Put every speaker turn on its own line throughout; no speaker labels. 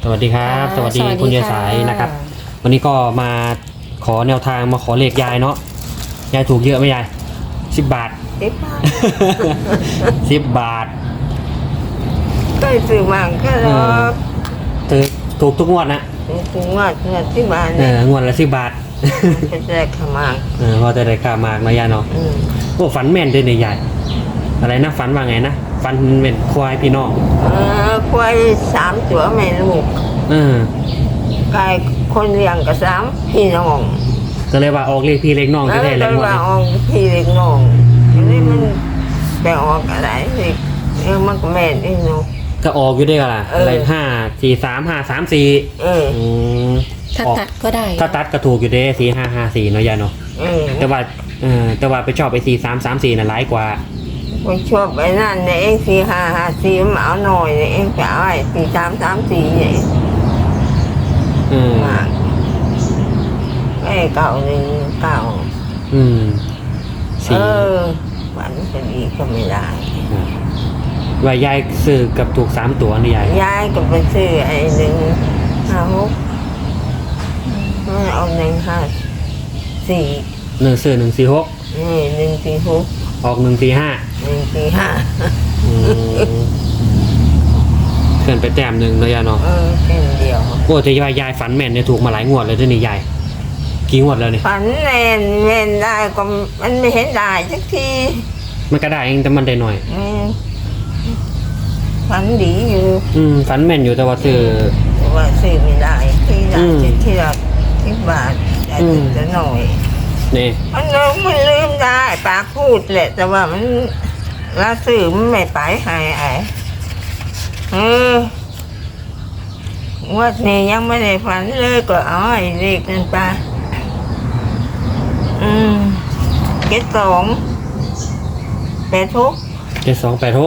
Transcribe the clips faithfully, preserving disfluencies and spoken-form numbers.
สวัสดีครับสวัสดีคุณยายสายนะครับวันนี้ก็มาขอแนวทางมาขอเลขยายเนาะยายถูกเยอะไหมยายสิบบาท
สิบบาท
สิบบาท
ก็ซื้อมาก็รอ
ถูกถูกทุกงวดนะ
ถูกงวดงวดสิบบาท
เอองวดละสิบบาท
ก็ได้ขมาก
เออพอจะได้ขามากนะยายเนาะโอ้ฝันแม่นด้วยเนี่ยยายอะไรนะฝันว่าไงนะฝันเป็นควายพี่น้อง
เออควายสามตัวแม่ลูก
เออ
ไก่คนเลี้ยงกับสามพี่น้อง
ก็เลยว่าออกเลขพี่เลขน้องแท้ๆเลย
ว่าออกพี่เลขน้องอันนี้มันไปออกอะไรสิเออมันก็แม่นอีกเนาะ
ก็ออกอยู่ด้วยกันล่ะอะไรห้าสี่สามห้าสามสี่
เออ
ถ้าตัดก็ได้
ถ้าตัดก็ถูกอยู่เด้สี่ห้าห้าสี่เนาะยายเนาะแต่ว่าเออแต่ว่าไปชอบไปสี่สามสามสี่น่ะร้ายกว่า
ไปชอบไปนั่นเนี่ยเองสี่ห้าห้าสี่มันเอาหน่อยเนี่ยเองจะเอาไอ้สี่สามสามสี่เนี่ย
อืม
ไอ้เก่าหนึ่งเก่า
อืม
เออฝันจะดีก็ไม่ได้
ว่ายายซื้อกับถูกสามตัวนี่ยาย
ยายก็ไปซื้อไอ้หนึ่งห้าหกมันเอาหนึ่งห้าสี่
หนึ่งซื้อหนึ่งสี่หก
นี่หนึ่งสี่หก
ออกหนึ่งสี่ห้า
หนึ่งสี่ห้า
เกินไปแต้มหนึ่งเลยยายเนาะ
เออเส้นเดียว
โอ้แต่ยายยายฝันแม่นเนี่ยถูกมาหลายงวดเลยด้วยนี่ยายกี่งวดแล้วเนี่ย
ฝันแม่นแม่นได้ก็มันไม่เห็นได้สักที
มันก็ได้เองแต่มันได้หน่อย
ฝันดีอยู่
อืมฝันแม่นอยู่แต่ว่าซื้อ
ว่าซื้อไม่ได้ที่ได้ที่ละที่บาทได้จะหน่อย
นี่
มันลืมมันลืมได้ปากพูดแหละแต่ว่ามันละซื้อมันไม่ไปหายไอ้เออวัดนี้ยังไม่ได้ฝันเลยก็เอาไอ้เลขนั่นไปอืมเจ็ดสองแปดทุก
เจ็ดสองแปดหก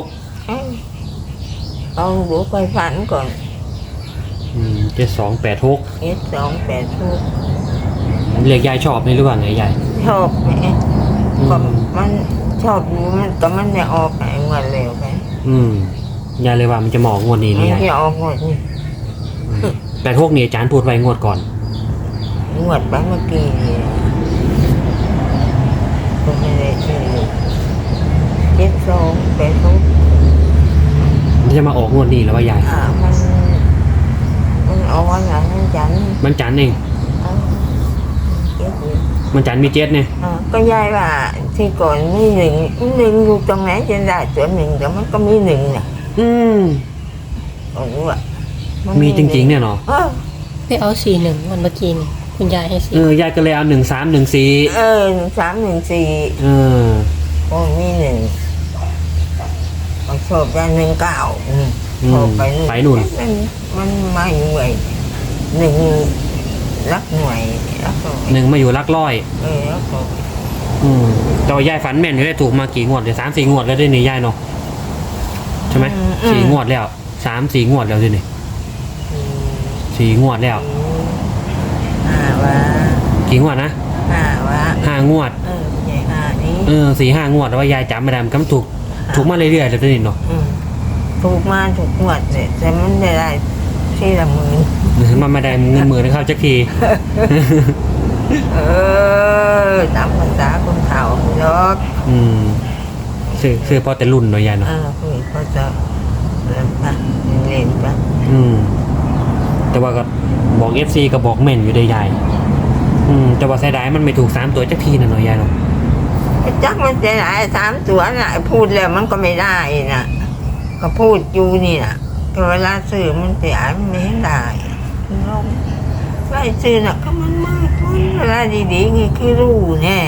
เอาดูไปฝันก่อน
อืมเจ็ดสองแปดหก
เจ็ดสองแปดทุก
เรียกยายชอบไหมหรือว่าไงยาย
ชอบไหมก็มันชอบอยู่มันแต่มันไม่ออกไอ้เงินเร็วไป
อืมยายเลยว่ามันจะหมอกงวดนี้นี่ยาย
ไม่ออกงวดนี่
แปดหกนี่อาจารย์พูดไว้งวดก่อน
งวดไปเมื่อกี้ก็ไม่ได้ชื่อเจ็ดสองแปดทุก
มันจะมาออกงวดนี้แล้วว่ายาย
อ่ามันมันเอาวันไหนมันจัน
มันจันเองมันจันมีเจ็ดเนี่ย
ก็ยายว่าที่ก่อนมีหนึ่งหนึ่งอยู่ตรงไหนจะได้ตัวหนึ่งแต่มันก็มีหนึ่งน่ะ
อืม
โอ้โห
มีจริงๆเนี่ยเนาะ
ไปเอาสี่หนึ่งวันเมื่อกี้นี่คุณยายให้สี่
เออยายก็เลยเอาหนึ่งสามหนึ่งสี่
เออหนึ่งสามหนึ่งสี่
เออ
โอ้มีหนึ่งมันชอบได้หนึ่งเก้าชอบไปหนึ่ง
ไปหนุน
มันมันมาอยู่ไอ้หนึ่งรักหน่วยรัก
หนึ่งมาอยู่รักร้อย
เออรักร้อย
อืมแต่ว่ายายฝันแม่นได้ถูกมากี่งวดเลยสามสี่งวดแล้วได้นี่ยายเนาะใช่ไหมสี่งวดแล้วสามสี่งวดแล้วดินี่สี่งวดแล้ว
ห้าวะ
กี่งวดนะ
ห้าวะ
ห้างวด
เออใหญ่ห้านี้
เออสี่ห้างวดแล้วว่ายายจำไม่ได้มันก็ถูกถูกมาเรื่อยๆแล้วดิเนาะ
ถูกมาถูกงวดเลยแต่มันไม่ได้ที่ละหมื่น
มันไม่ได้เงินหมื่นเข้าจักที
เออตามภาษาคนเฒ่าเนาะ
อืมซื้อซื้อพอแต่รุ่นหน่อยยายเนาะ
เออคือพอจะเล่นปะเล่นปะ
อืมแต่ว่าก็บอกเอฟซีก็บอกแม่นอยู่ได้ยายอืมแต่ว่าเสียดายมันไม่ถูกสามตัวจักทีนะหน่อยยายเนาะ
จักมันจะไหนสามตัวน่ะพูดแล้วมันก็ไม่ได้น่ะก็พูดอยู่นี่น่ะแต่เวลาซื้อมันเสียมันไม่ได้ไล่ซื้อน่ะก็มันมากเวลาดีๆนี่คือรู้แน่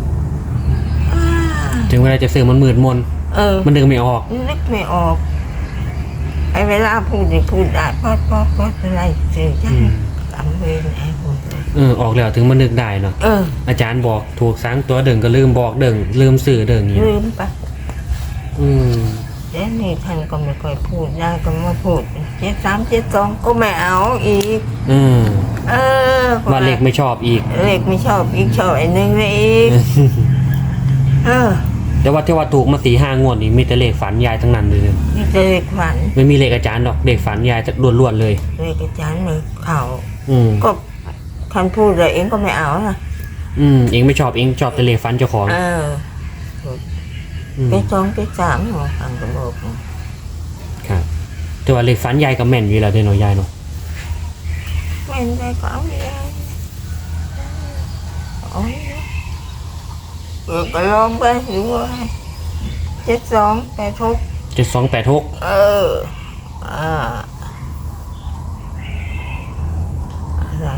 ถึงเวลาจะซื้อมันมืดมน
เออ
มันนึกไม่ออก
นึกไม่ออกไอ้เวลาพูดนี่พูดได้พอพอพออะไรซื้อจังจำเวรไอ้พูด
เออออกแล้วถึงมันนึกได้เนาะ
เออ
อาจารย์บอกถูกสามตัวเดิงก็ลืมบอกเดิงลืมสื่อเดิงอย่างนี้
ลืมปะ
อืม
เดี๋ยวนี้ท่านก็ไม่ค่อยพูดได้ก็มาพูดเจ็ดสามเจ็ดสองก็ไม่เอาอีก
อืม
เออ
ว่าเล็กไม่ชอบอีก
เล็กไม่ชอบอีกชอบไอ้หนึ่งเลยอีกเออ
แแต่ว่าที่ว่าถูกมาสี่ห้างวดนี่มีแต่เลขฝันยายทั้งนั้นเลย
นี่เลขฝัน
ไม่มีเลขอาจารย์หรอกเลขฝันยายจะล้วนๆเลย
เลขอาจารย์มือเข่า
อืม
ก็คันพูดเลยเองก็ไม่เอานะ
อืมเองไม่ชอบเองชอบแต่เลขฝันเจ้าของ
เออ
อืม
ไปสองไปสามหัวฟังกระบอก
ครับแต่ว่าเลขฝันยายก็แม่นอยู่แล้วเด้อเนาะยายเนาะ
ไม่ได้ก็เอาไม่ได้โอ้ยเออก็ลองไปดูว่าเจ็ดสองแปดทุก
เจ็ดสองแปดหก
เอออ่าอะไร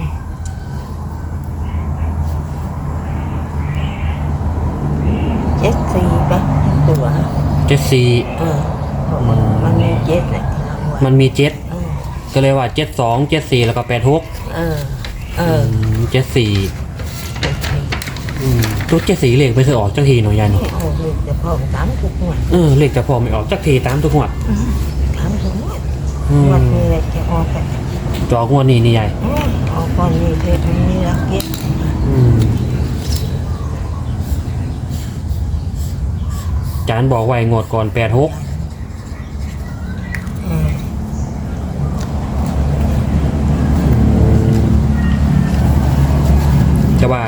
เจ็ดสี่ปะตัว
เจ็ดสี่
เออมันมันมีเจ็ดเนี่ย
มันมีเจ็ด
เออ
ก็เลยว่าเจ็ดสองเจ็ดสี่แล้วก็แปดหก
เออเออ
เจ็ดสี่
เจ็ดสี่
ทุกเจ็ดสี่เลขไปซื้อออกจักทีเนาะยายเนาะ
โอ้ลูกจะพ่อสามทุกหมวด
เออเลขจะพอไม่ออกจักทีตามทุกงวด
สามทุกหมวด
อื
หมวด
ม
นี้เลยจะออกกัน
จอกงวดนี้นี่ยาย
อืมออกก่อนนี้เลยมันมีรักเย็ด
อืมจานบอกไว้งวดก่อนแปดหก
เออ
แต่ว่า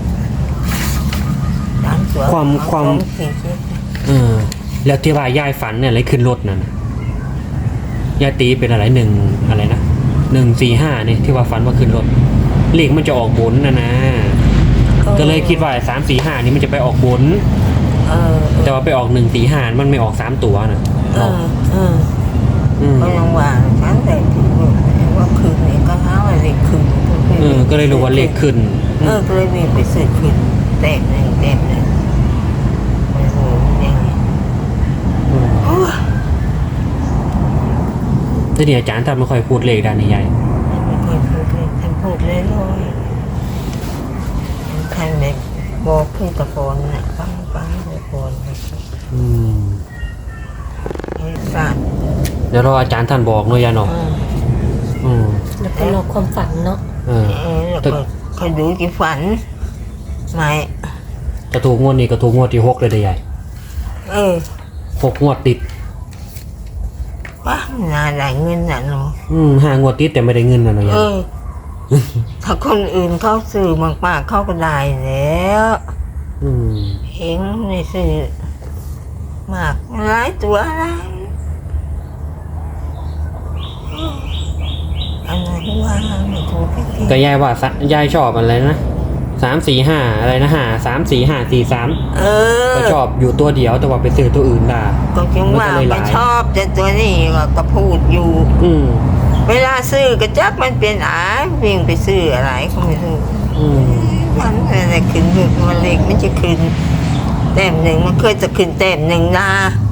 สามตัว
ความความ
สองสี่เจ็ด
เออแล้วที่ว่ายายฝันเนี่ยอะไรขึ้นรถนั่นน่ะยายตีเป็นอะไรหนึ่งอะไรนะหนึ่งสี่ห้าเนี่ยที่ว่าฝันว่าขึ้นรถเลขมันจะออกบนนะนะก็เลยคิดว่าสามสี่ห้านี่มันจะไปออกบน
เออ
แต่ว่าไปออกหนึ่งสี่ห้ามันไม่ออกสามตัวนะ
เออเออ
อืม
ก็ยังว่าฉันแต่ถึงว่าคืนนี้ก็หาว่าเลขคืน
เออก็เลยรู้ว่าเลขขึ้น
เออก็เลยมีไปซื้อคืนแต้มหนึ่งแต้มหนึ่งโอ้โหยังไงโอ้ย
แต่เนี่ยอาจารย์ท่านไม่ค่อยพูดเลขด้านนี้ใหญ่
ไม่เคยพูดเลยท่านพูดเลยเลยท่านเลยบอกพี่ตะโกนน่ะฟังฟังตะโกน
อืม
ให้ฝาก
เดี๋ยวรออาจารย์ท่านบอกเนาะยายเนาะ
เออ
อืม
แล้วก็รอความฝันเนาะ
เออ
เออแล้วก็คอยดูกี่ฝันไม่
กระถูกงวดนี้กระถูกงวดที่หกเลยเด้ใหญ่
เออ
หกงวดติด
ป้าน่าได้เงินน่ะเนาะ
อืมห้างวดติดแต่ไม่ได้เงินนะเนาะยา
เอย อ ถ้าคนอื่นเขาซื้อมากๆเขาก็ได้แล้ว
อืม
เองไม่ซื้อมากหลายตัวอะไรอันนั้นว่าไม่ถูกพี่
ก็ยายว่าสะยายชอบอะไรนะสามสี่ห้าอะไรนะห้าสามสี่ห้าสี่สาม
เออ
ก็ชอบอยู่ตัวเดียวแต่ว่าไปซื้อตัวอื่นได้
ก็จึงว่า
มันก็เลยห
ไม่
ลาย
ชอบแต่ตัวนี้ก็พูดอยู่
อืม
เวลาซื้อกระจักมันเป็นอาวิ่งไปซื้ออะไรก็ไม่รู้
อืม
มันอะไรขึ้นอยู่มันเล็กมันจะขึ้นแต้มหนึ่งมันเคยจะขึ้นแต้มหนึ่งนะ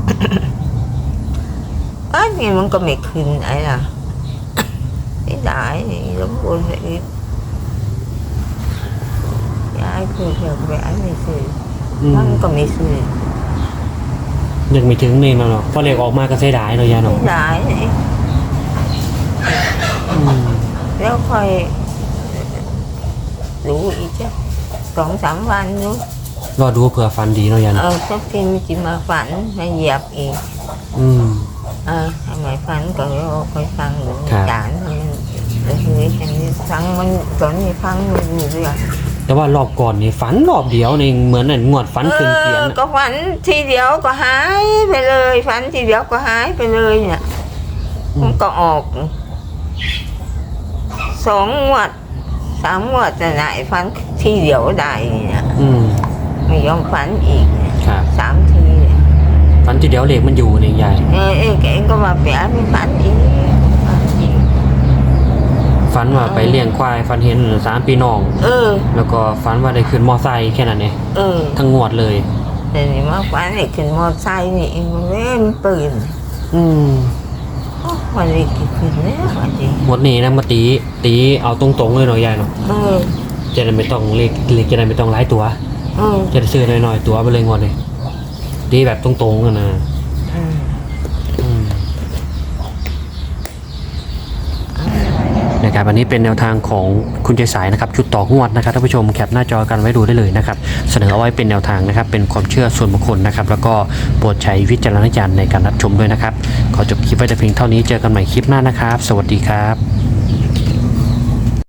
อันนี้มันก็ไม่ขึ้นไอ้ล่ะไม่ได้นี่ลำบนเลยอีกยายคือเกี่ยวกับไอ้ไม่ซื้อ
อืม
มันก็ไม่ซื้อ
ยังไม่ถึงนี่เนาะเนาะพอเลขออกมาก็เสียดายเนาะยาย
ไม่
เนาะ
ได้นี่
อืม
แล้วค่อยรู้อีกจ้ะสองสามวันนู้น
รอดูเผื่อฟันดีเนาะยาย
เอ
เนาะ
อสักทีมันจะมาฝันมาเหยียบอีก
อืม
เออทำไมฝันก็เราคอยฟังหรือ
ครับ
จานมันแต่ทีนี้อันนี้ฟังมันตอนนี้ฟังมันอยู่เรื่อย
แต่ว่ารอบก่อนนี่ฝันรอบเดียวนี่เหมือนนั่นงวดฝันขึ้นเกียน
ออ
น่ะ
ก็ฝันทีเดียวก็หายไปเลยฝันทีเดียวก็หายไปเลยเนี่ย
อื
มั
ม
นก็ออกสองงวดสามงวดแต่ไหนฝันทีเดียวได้เนี่ย
อืม
ไม่ยอมฝันอีกเนี่ย
ครับ
สามทีเนี่ย
ฝันที่เดียวเลขมันอยู่นี่ยาย
เออเองเองก็มาเปลี่ยนไม่ฝันอีกฝันอีก
ฝันว่าไปเลี้ยงควายฝันเห็นสามพี่น้อง
เออ
แล้วก็ฝันว่าได้ขึ้นมอไซค์แค่นั้นเอง
เออ
ทั้งงวดเลย
แต่นี่มาฝันนี่ขึ้นมอไซค์นี่เองมันเล่นปืน
อืม
โอ้วันนี้กี่ขึ้นแล้ววันนี้
หมดนี้นะมาตีตีเอาตรงๆเลยเนาะยายเนาะ
เออ
จะได้ไม่ต้องเลขเลขจะได้ไม่ต้องหลายตัว
เออ
จะได้ซื้อน้อยๆตัวไปเลยงวดเลยตีแบบตรงๆกันนะ
เออ
อืมนะครับอันนี้เป็นแนวทางของคุณใจสายนะครับชุดต่องวดนะครับท่านผู้ชมแคปหน้าจอกันไว้ดูได้เลยนะครับเสนอเอาไว้เป็นแนวทางนะครับเป็นความเชื่อส่วนบุคคลนะครับแล้วก็โปรดใช้วิจารณญาณในการรับชมด้วยนะครับขอจบคลิปไว้แต่เพียงเท่านี้เจอกันใหม่คลิปหน้านะครับสวัสดีครับ